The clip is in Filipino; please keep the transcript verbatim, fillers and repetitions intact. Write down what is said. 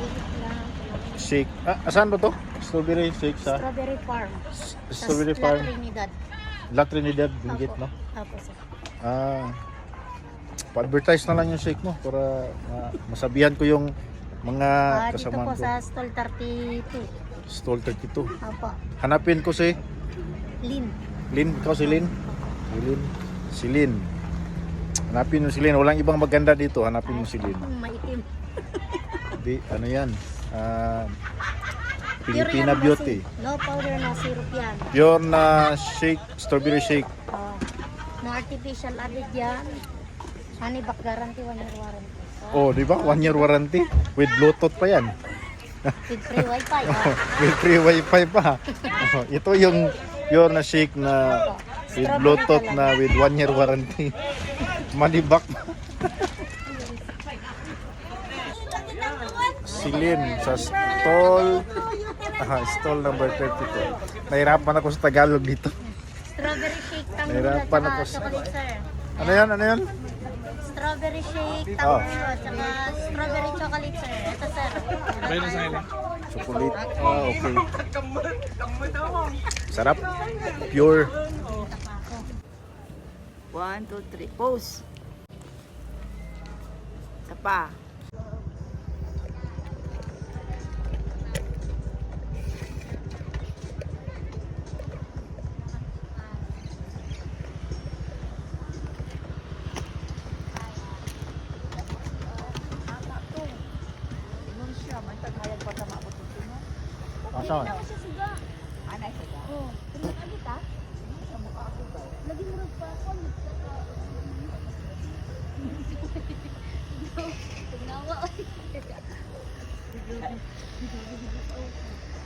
Shake. Ah, asan ba to? Strawberry shake sa Strawberry Farm. Strawberry Sa Farm. La Trinidad. La Trinidad, Benguet, Opo. no? Opo, sir. Ah, pa-advertise na lang yung shake mo para ah, masabihan ko yung mga Ah, dito kasamahan po ko. sa stall thirty-two. Stall thirty-two. Opo. Hanapin ko si Lin. Lin. Ikaw si Lin? Si Lin. Si Lin. Hanapin mo si Lin. Walang ibang maganda dito. Hanapin mo si Lin. Ay, maitim. Di, ano yan? Ah, Pure Filipina yan, Beauty. kasi no powder, no syrup yan. Pure na shake, strawberry shake. Oh, no artificial added yan. Honey back guarantee, one year warranty. Oh, di ba? One year warranty. With Bluetooth pa yan. With free wifi. Oh, Ah. with free wifi pa. Oh, ito yung pure na shake na with Bluetooth na with one year warranty. Malibak. Silin sa stall. Aha, stall number thirty-two. Nahirapan ako sa Tagalog dito. Strawberry shake, tango Nahirapan at ako saka sa- chocolate, sir. Ano yan? Ano yan? Strawberry shake, Oh. tango at saka strawberry chocolate, sir. Ito, sir. Chocolate. Ah, okay. Sarap. Pure. One, two, three. Pose. Isa pa. Asan? Anay siya. Oh, kumakalit ah. Lagi mo rin pa ako. Tingnawa.